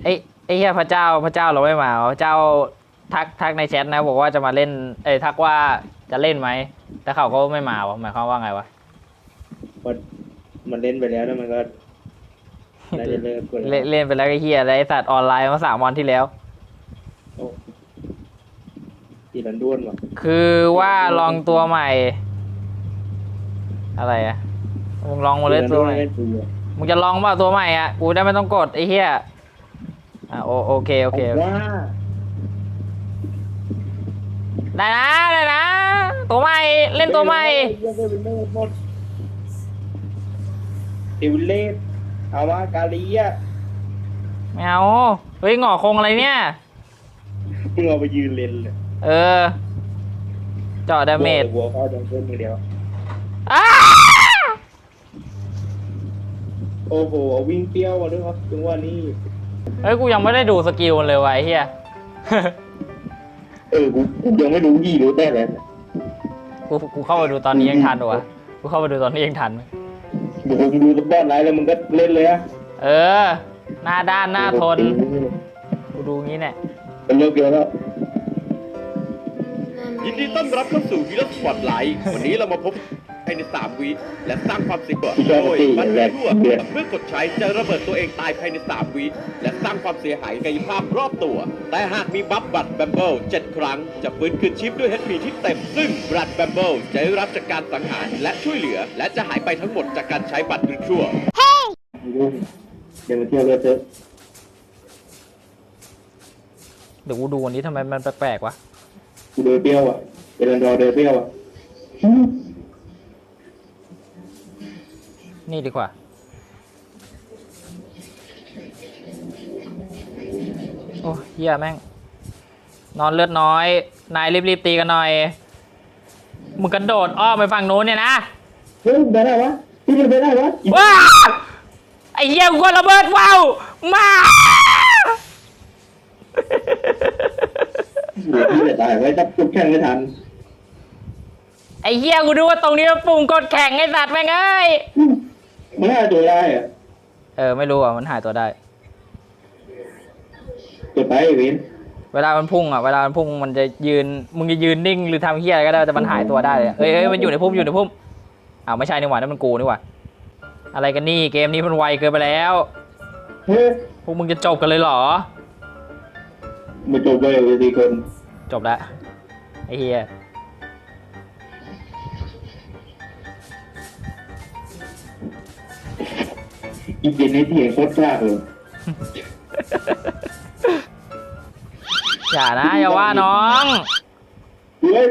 ไอ้ไอ้เหี้ยพระเจ้าเราไม่มาพระเจ้าทักในแชทนะบอกว่าจะมาเล่นทักว่าจะเล่นไหมแต่เขาก็ไม่มาวะหมายความว่าไงวะมันเล่นไปแล้วแล้วมันก็น่าจะเลิกกดเล่นไปแล้วไอ้เหี้ยไอ้สัตว์ออนไลน์มา3 วันที่แล้วตีรันด้วนว่ะคือว่าลองตัวใหม่อะไรอะมึงลองมาเล่นตัวใหม่มึงจะลองเปล่าตัวใหม่อ่ะกูได้ไม่ต้องกดไอ้เหี้ยโอเคว่าได้นะตัวใหม่เล่นตัวใหม่ติวเลสเอาว่ากาลีอ่ะไม่เอาเฮ้ยหงอคงอะไรเนี่ยมึงเอาไปยืนเล่นเลยเจาะดาเมจวัวเขาจะเพิ่มมือเดียวโอ้โหวิ่งเปรี้ยวมาด้วยครับจังหวะนี้เฮ้ยกูยังไม่ได้ดูสกิลเลยวะไอ้เหี้ยกูยังไม่รู้ยี่รู้แต่แล้วกูเข้าไปดูตอนนี้ยังทันวะกูเข้าไปดูตอนนี้ยังทันมึงดูสปอตไลท์แล้วมึงก็เล่นเลยอะหน้าด้านหน้าทนกูดูงี้เนี่ยเป็นเลิกเยอะแล้วยินดีต้อนรับเข้าสู่วีล็อกสปอตไลท์วันนี้เรามาพบภายใน3 วิและสร้างความเสียหายโดยบัตรทั่วเมื่อกดใช้จะระเบิดตัวเองตายภายใน3 วิและสร้างความเสียหายกายภาพรอบตัวแต่หากมีบัฟบัตรแบมเบิล7 ครั้งจะฟื้นคืนชีพด้วย HP ที่เต็มซึ่งบัตรแบมเบิลจะได้รับจากการสังหารและช่วยเหลือและจะหายไปทั้งหมดจากการใช้บัตรชั่วเดี๋ยวมาเที่ยวเลยเถอะเดี๋ยวกูดูวันนี้ทำไมมันแปลกๆวะกูเดินเปรี้ยวอ่ะเดินรอเดินเปรี้ยวอ่ะนี่ดีกว่าโอ้เหี้ยแม่งนอนเลือดน้อยนายรีบตีกันหน่อยมึงกระโดดอ้อมไปฝั่งโน้นเนี่ยนะเฮ้ยไปได้วะพี่ไปได้วะว้าไอ้เหี้ยกูก็ระเบิดว้าวมาพี่จะตายไว้ถ้าปุ๊บแข่งไม่ทันไอ้เหี้ยกูดูว่าตรงนี้มันปุ่มกดแข่งไอ้สัตว์แม่งเอ้ยมันหายตัวได้อะไม่รู้อ่ะมันหายตัวได้กดไปวินเวลามันพุ่งมันจะยืนมึงจะยืนนิ่งหรือทำเหี้ยอะไรก็ได้แต่มันหายตัวได้เลยเฮ้ยมันอยู่ในพุ่มไม่ใช่นี่หว่านั่นมันกูนี่หว่าอะไรกันนี่เกมนี้มันไวเกินไปแล้วพวกมึงจะจบกันเลยเหรอมาจบเลยทีคนจบแล้วไอ้เหี้ยอีกเย็นในที่เห็นโคตรยากเลยอย่านะอย่าว่าน้องเฮ้ย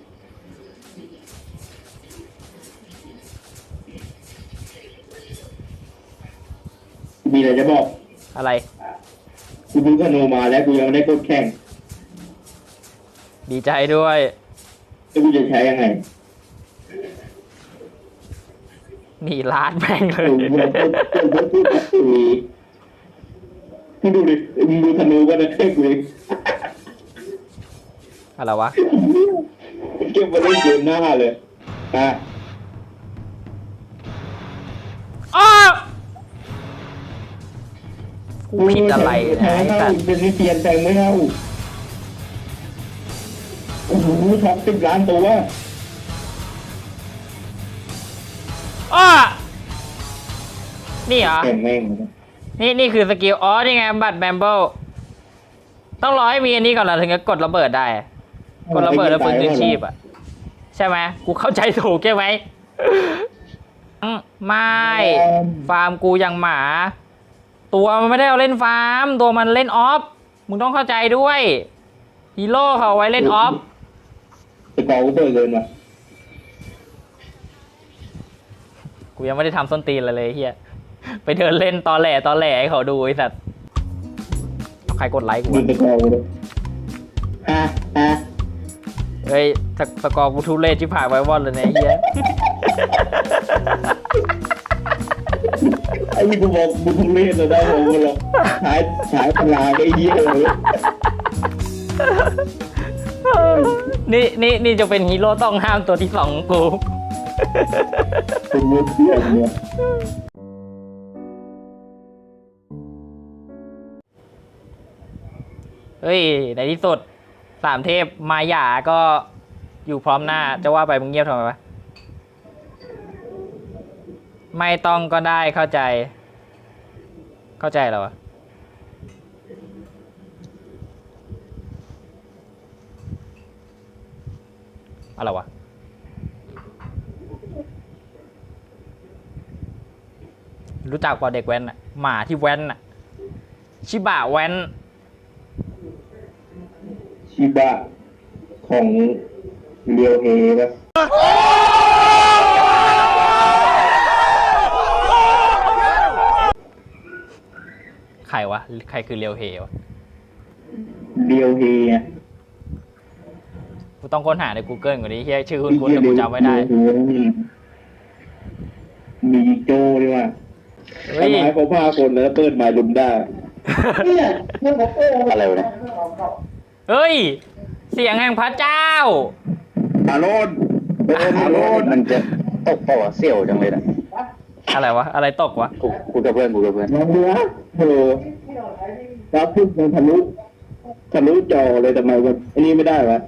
มีอะไรจะบอกอะไรกูดูธนูมาแล้วกูยังไม่ได้กดแข่งดีใจด้วยแล้วกูจะใช้ยังไงนี่ลาดแม่งเลยมึงดูดิมึงดูธนูก็ได้แค่กูเองอะไรวะเก็บมาเล่นเกมหน้าเลยกูผิดอะไรนะไอ้สัตว์เป็นนิเทียนแทงไม่เท่าโอ้โหท็อป10 ล้านตัวนี่เหรอนี่คือสกิลนี่ไงบัตรแบมเบิลต้องรอให้มีอันนี้ก่อนถึงจะกดระเบิดได้กดระเบิดแล้วฟื้นคืนชีพอ่ะใช่ไหมกูเข้าใจถูกใช่ไหมไม่ฟาร์มกูยังหมาตัวมันไม่ได้เอาเล่นฟาร์มตัวมันเล่นออฟมึงต้องเข้าใจด้วยฮีโร่เขาไว้เล่นออฟสกอร์กูเปิดเกินว่ะกูยังไม่ได้ทำส้นตีนเลยเฮียไปเดินเล่นตอแหลให้เขาดูไอ้สัตว์ใครกดไลค์กูสกอร์กูเฮ้ยสกอร์กูทุเรศที่ผ่านไว้วอดเลยเนี่ยเฮียไอ้นี่กูบอกมึงเล่นเลยได้ผมกูหรอกฉายพลังไอ้เหี้ยเลยนี่จะเป็นฮีโร่ต้องห้ามตัวที่2ของกูเป็นมือเพื่อนเนี่ยเฮ้ยในที่สุด3 เทพมาหย่าก็อยู่พร้อมหน้าจะว่าไปมึงเงียบทำไมวะไม่ต้องก็ได้เข้าใจเหรอวะอะไรวะรู้จักเปล่าเด็กแว้นอะหมาที่แว้นอะชิบะแว้นชิบะของเรียวเฮนะใครวะใครคือเรียวเฮวะเรียวเฮอะกูต้องค้นหาใน Google ก่อนนี้เฮียชื่อคุณแต่กูจำไม่ได้มีโจด้วยว่ะเฮ้ยทำร้ายเขา5 คนแล้วเปิดไม้ลุมได้อะไรวะเนี่ยเฮ้ย เสียงแห่งพระเจ้าอาโรนอาโรนมันจะตกเปล่าวะเสี่ยวจังเลยนะอะไรวะ อะไรตกวะกูกับเพื่อนน้องเนื้อรับพึ่งมันทะลุจอเลยทำไมวะอันนี้ไม่ได้วะ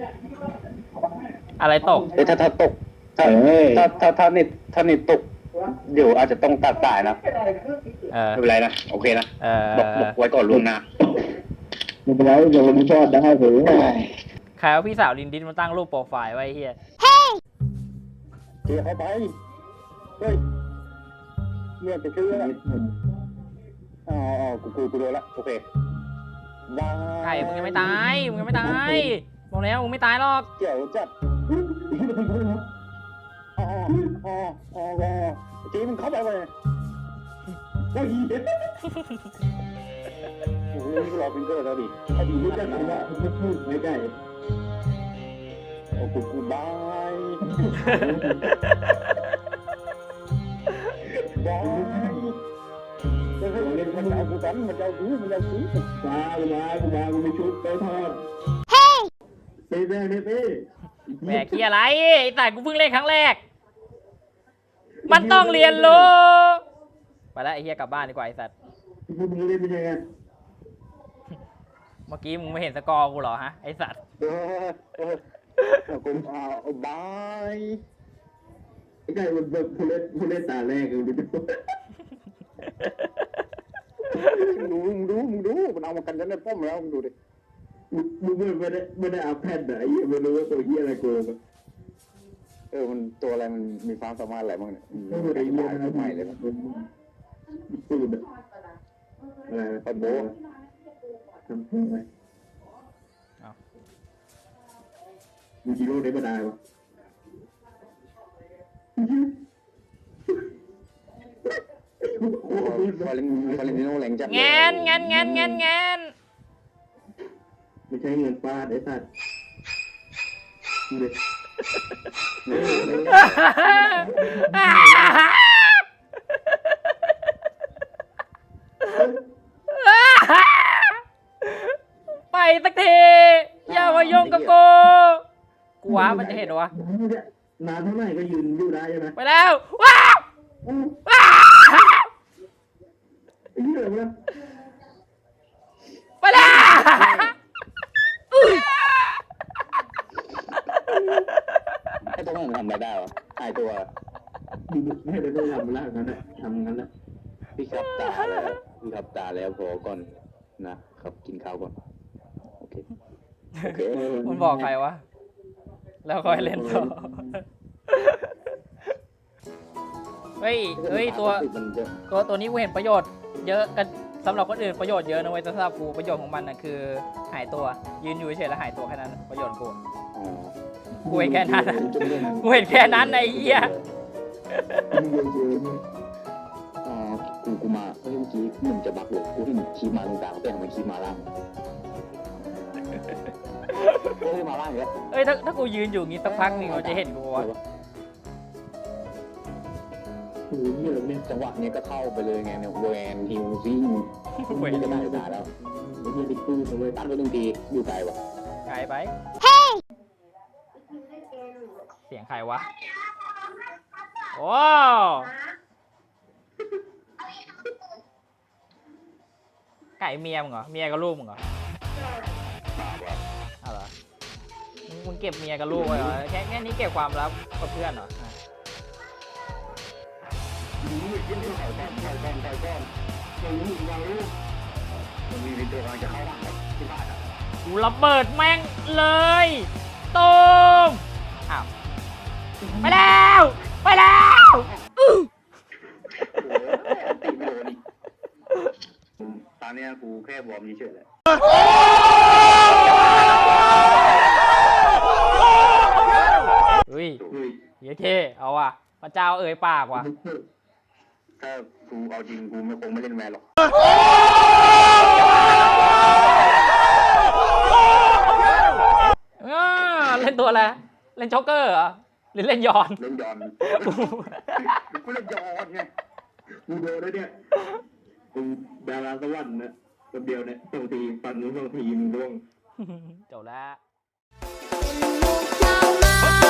อะไรตกถ้าตกถ้านิดตกเดี๋ยวอาจจะต้องตัดสายนะ ไม่เป็นไรนะโอเคนะบอกไว้ก่อนล่วงหน้าไม่เป็นไรเดี๋ยวมันชอบได้เถอะใครเอาพี่สาวลินดินมาตั้งรูปโปรไฟล์ไว้เฮียเกี่ยวเข้าไปเฮ้ยเนี่ยจะชื่ออะไรอ๋อกูโดนละโอเคได้ไก่มึงยังไม่ตายมึงยังไม่ตายบอกแล้วมึงไม่ตายหรอกเกี่ยวจัดจีมันเข้าไปเลยโอ้ยโอ้โหนี่ก็รอฟิงเกอร์แล้วดิพอดีรู้จักกันว่าไม่พูดไม่ได้โอ้กูบายบายจะให้เล่นมันเอากูกันมันเอากูมากูไม่ชุบไปทอดเฮ้ยเต้แหมขี้อะไรไอ้สายกูเพิ่งเล่นครั้งแรก มันต้องเรียนรู้ไปแล้วไอ้เฮียกลับบ้านดีกว่าไอ้สัตว์มึงเล่นเป็นยังไงเมื่อกี้มึงไม่เห็นสกอร์กูเหรอฮะไอ้สัตว์กูบายไอ้ไก่มันแบบผู้เล่นตาแรกเลยมึงดูมันเอามากันในป้อมแล้วมึงดูดิมึงไม่ได้เอาแพทย์ไหนไม่รู้ว่าตัวเฮียอะไรโกงมันตัวอะไรมันมีความสามารถอะไรบ้างเนี่ยมันได้ยินอะไรใหม่เลยสูดอะไรปัดโบทำเพื่ออะไรมีฮีโร่ได้มาได้ปะฟาเลนติโน่แรงจัดแงนไม่ใช่เงินฟาดไอ้สัตว์ไปสักทีอย่ามายุ่งกับกูว้ามันจะเห็นวะนานเท่าไหร่ก็ยืนอยู่ได้ใช่ไหมไปแล้วว้าวไอ้เหี้ยอะไรวะไปแล้วไอ้ตัวนั้นทำอะไรได้วะไอ้ตัวไม่ได้ต้องทำแล้วงั้นแหละทำงั้นแหละพี่ครับตาแล้วพอก่อนนะครับกินข้าวก่อนโอเคมันบอกใครวะแล้วค่อยเล่นต่อเฮ้ยตัวนี้กูเห็นประโยชน์เยอะกันสำหรับคนอื่นประโยชน์เยอะนะเว้ยแต่สำหรับกูประโยชน์ของมันนะคือหายตัวยืนอยู่เฉยๆแล้วหายตัวแค่นั้นประโยชน์กูเห็นแค่นั้นไอ้เหี้ยกูมาเมื่อกี้มันจะบักเลยกูที่ขี่มาตรงกลางแต่ทำไมขี่มาล่างมาล่างเนี่ยเอ้ยถ้ากูยืนอยู่งี้สักพักนึงเราจะเห็นกูวะโอ้โหเนี่ยจังหวะนี้ก็เข้าไปเลยไงเนี่ยแวนฮิวซิ่งไม่ได้ด่าแล้วไอ้เหี้ยติ๊กตู้เลยตั้งไว้ตรงทีอยู่ไกลวะไกลไปเสียงใครวะโอ้ไก่เมียมึงเหรอเมียกับลูกมึงเหรอเอาเหรอมึงเก็บเมียกับลูกไว้เหรอแค่นี้เก็บความลับกับเพื่อนเหรอมึงไม่กินที่ไข่ก้อนมึงวางลูกมันมีวิดีโอกำลังจะเข้าบ้านที่บ้านอ่ะกูระเบิดแม่งเลยตูมอ้าวไปแล้วไปแล้วอื้อโอ้ยตีไม่โดนอีกตอนนี้กูแค่วอร์มเฉยๆเลยอุ้ยเย้เท่เอาว่ะพระเจ้าเอ่ยปากว่ะถ้ากูเอาจริงกูไม่คงไม่เล่นแวร์หรอกเล่นตัวอะไรเล่นช็อกเกอร์เหรอหรือเล่นยอนเล่นยอนกูเล่นยอนไงกูโดนแล้วเนี่ยกูดาราสวรรค์นะคนเดียวเนี่ยบางทีฟันนู้นบางทีมึงร่วงจบแล้วเป็นลูกชาวนา